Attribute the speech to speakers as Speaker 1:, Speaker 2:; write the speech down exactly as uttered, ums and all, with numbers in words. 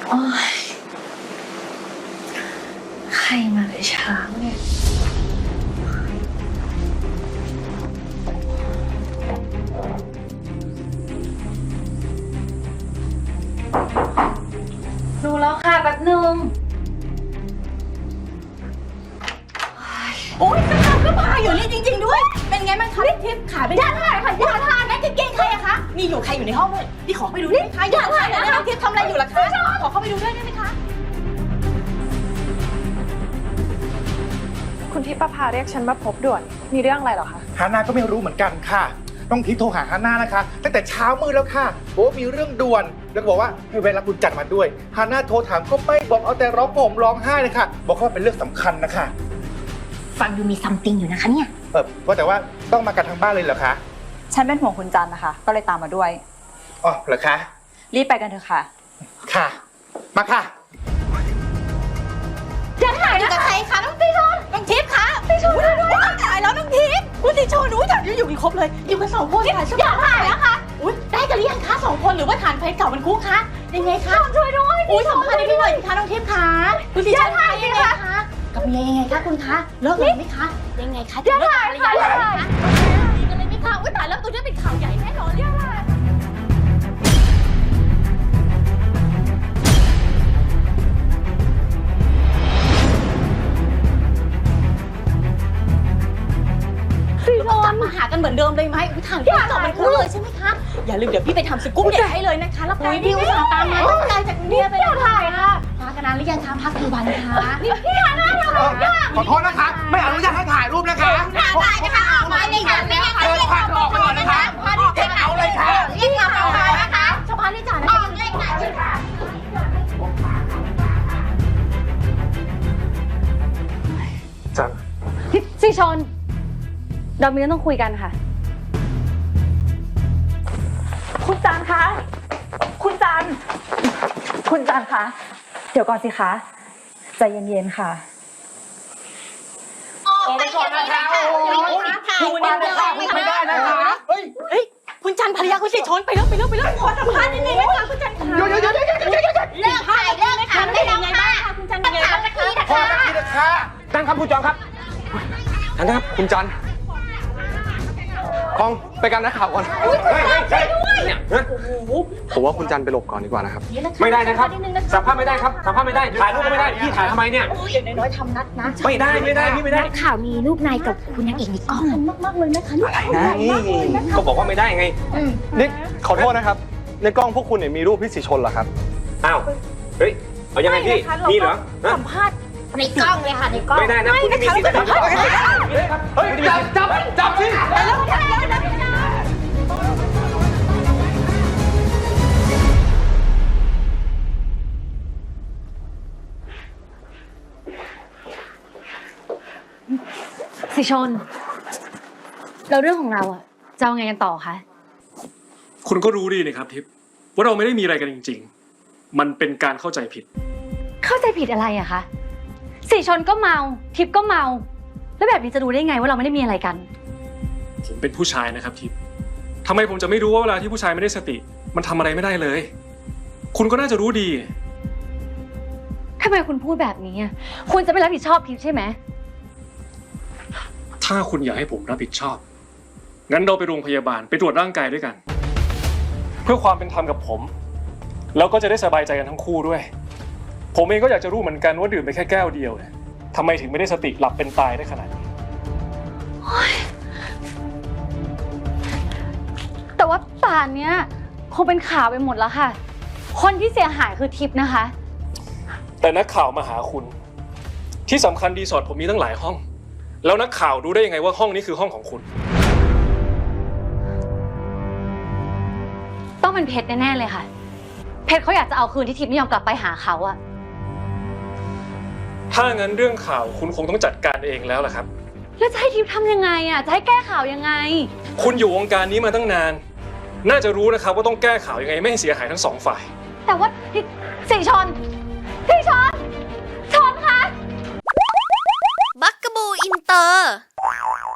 Speaker 1: โอ้ยใครมาแต่เช้าเนี่ยดูแล้วค่ะแป๊บนึง
Speaker 2: โอ๊ยกระเพราก็พาอยู่นี่จริงๆด้วยเป็นไงบ้างคะพี่ทิพย์ขายเป็นย่าถ่ายค่ะย่าทานนั่นกางเกงใครอะคะมีอยู่ใครอยู่ในห้องด้วยพี่ขอไปดูได้ไหมคะย่าถ่ายนะพี่ทิพย์ทำอะไรอยู่ล่ะคะขอเข้าไปดูด้วยได้ไหมคะ
Speaker 3: คุณทิพย์ประภาเรียกฉันมาพบด่วนมีเรื่องอะไรเหรอคะ
Speaker 4: ฮาน่าก็ไม่รู้เหมือนกันค่ะต้องทิพย์โทรหาฮาน่านะคะตั้งแต่เช้ามืดแล้วค่ะบอกว่ามีเรื่องด่วนแล้วก็บอกว่าให้เวลาคุณจัดมาด้วยฮาน่าโทรถามก็ไม่บอกเอาแต่ร้องห่มร้องไห้เลยค่ะบอกว่าเป็นเรื่องสำคัญนะคะ
Speaker 2: ฟังดูมีซัมติงอยู่นะคะเนี่ย
Speaker 4: เออว่าแต่ว่าต้องมากันทางบ้านเลยเหรอคะ
Speaker 3: ฉันเป็นห่วงคุณจันนะคะก็เลยตามมาด้วย
Speaker 4: อ๋อเหรอคะ
Speaker 3: รีบไปกันเถอะค่ะ
Speaker 4: ค่ะมาค่ะ
Speaker 2: จะถ่ายอยู่กับใครคะน้องติชนน้องทิพย์คะติชนด้วยถ่ายแล้วน้องทิพย์คุณติชนอุ้ยถ่ายอยู่กันครบเลยอยู่กันสองคนถ่ายอย่าถ่ายแล้วค่ะอุ้ยได้กันหรือยังคะสองคนหรือว่าฐานไฟเก่ามันคุกคะยังไงคะช่วยด้วยอุ้ยสัมภาษณ์ได้พี่หน่อยคะน้องทิพย์คะคุณติชนถ่ายยังไงคะกับเมียยังไงคะคุณคะเลิกกันไหมคะยังไงคะจะเลิกกันหรือยังคะดีกันเลยไหมคะอุ้ยตายแล้วตัวนี้เป็นข่าวใหญ่แน่นอนเนี่ยค่ะกลับมาหากันเหมือนเดิมเลยไหมทางที่จบมันคุ้นเลยใช่ไหมคะอย่าลืมเดี๋ยวพี่ไปทำสกู๊ปเด็ดให้เลยนะคะแล้วพี่อุตส่าห์ตามมาตั้งใจจากกรุงเทพไปเลยถ่ายค่ะมากันนานหรือยังคะพักกี่วันคะนี่พี่ฮาน่าเรา
Speaker 4: ขอโทษนะคะไม่อนุญาตให้ถ่ายรูปนะคะ
Speaker 2: ถ่ายนะคะออกมาเลยค่ะไม่งั้นเรียกมาออกมาก่อนนะคะมาเรียกเอาเลยค่ะเรียกมาออกมานะคะชาวบ้านเรียกจ่านะคะเรียกจ่า
Speaker 4: จัน
Speaker 1: สิชนเรามีเรื่องต้องคุยกันค่ะ
Speaker 3: คุณจันคะคุณจันคุณจันคะเดี๋ยวก่อนสิคะใจเย็นๆค่ะ
Speaker 2: ออกไปก่อนนะคะคุณมานะคะไม่ได้นะคะเฮ้ยเฮ้ยคุณจันภรรยาคุณสิชนไปแล้วไปแล้วไปแล้วขอสัมภาษณ์นิดนึงนะคะคุณจันค่ะเดี๋ยวเดี๋ยวเดี๋ยวเดี๋ยวเดี๋ยวเลิกถ่ายเลิกถ่ายได้แล้วค่ะคุณจันยังไงบ้างนะคะ
Speaker 4: พอสักทีนะคะ
Speaker 5: ท่านครับคุณจอมครับท่านครับคุณจันคองไปกันนักข่าวก่อนเนี่ยผมว่าคุณจันไปหลบก่อนดีกว่านะครับไม่ได้นะครับสัมภาษณ์ไม่ได้ครับสัมภาษณ์ไม่ได้ถ่ายรูปก็ไม่ได้พี่ถ่ายทำไมเนี่ย
Speaker 2: อย่างน้อยๆทำนัดนะ
Speaker 5: ไม่ได้ไม่ได้พี่ไม่ได้
Speaker 2: นักข่าวมีรูปนายกับคุณนางเอกในกล้องมากๆเลยนะคะ
Speaker 5: อะไรนะก็บอกว่าไม่ได้ไงนี่ขอโทษนะครับในกล้องพวกคุณเนี่ยมีรูปพี่สีชนเหรอครับอ้าวเฮ้ยเอายังไงพี่มีเหรอ
Speaker 2: สัมภาษณ์ในกล้องเลยค่ะในกล้อง
Speaker 5: ไม่ได้นะคุณไม่มีสิทธิ์นะครับเฮ้ยจับจับจับสิ
Speaker 1: สิชนแล้วเรื่องของเราอะจะเอาไงกันต่อคะ
Speaker 6: คุณก็รู้ดีนะครับทิพย์ว่าเราไม่ได้มีอะไรกันจริงๆมันเป็นการเข้าใจผิด
Speaker 1: เข้าใจผิดอะไรอะคะสิชนก็เมาทิพย์ก็เมาแล้วแบบนี้จะรู้ได้ไงว่าเราไม่ได้มีอะไรกัน
Speaker 6: ผมเป็นผู้ชายนะครับทิพย์ทำไมผมจะไม่รู้ว่าเวลาที่ผู้ชายไม่ได้สติมันทำอะไรไม่ได้เลยคุณก็น่าจะรู้ดี
Speaker 1: ทำไมคุณพูดแบบนี้อะคุณจะไม่รับผิดชอบทิพย์ใช่ไหม
Speaker 6: ถ้าคุณอยากให้ผมรับผิดชอบงั้นเราไปโรงพยาบาลไปตรวจร่างกายด้วยกันเพื่อความเป็นธรรมกับผมแล้วก็จะได้สบายใจกันทั้งคู่ด้วยผมเองก็อยากจะรู้เหมือนกันว่าดื่มไปแค่แก้วเดียวเนี่ยทำไมถึงไม่ได้สติหลับเป็นตายได้ขนาดนี้
Speaker 1: แต่ว่าป่านเนี้ยคงเป็นข่าวไปหมดแล้วค่ะคนที่เสียหายคือทิพย์นะคะ
Speaker 6: แต่นักข่าวมาหาคุณที่สำคัญรีสอร์ทผมมีตั้งหลายห้องแล้วนักข่าวรู้ได้ยังไงว่าห้องนี้คือห้องของคุณ
Speaker 1: ต้องเป็นเพชรแน่ๆเลยค่ะเพชรเขาอยากจะเอาคืนที่ทิพย์ไม่ยอมกลับไปหาเขาอะ
Speaker 6: ถ้างั้นเรื่องข่าวคุณคงต้องจัดการเองแล้วล่ะครับ
Speaker 1: แล้วจะให้ทิพย์ทำยังไงอะจะให้แก้ข่าวยังไง
Speaker 6: คุณอยู่วงการนี้มาตั้งนานน่าจะรู้นะครับว่าต้องแก้ข่าวยังไงไม่ให้เสียหายทั้งสองฝ่าย
Speaker 1: แต่ว่าสิชนสิชนชนคะ
Speaker 7: บักกะบูอินเตอร์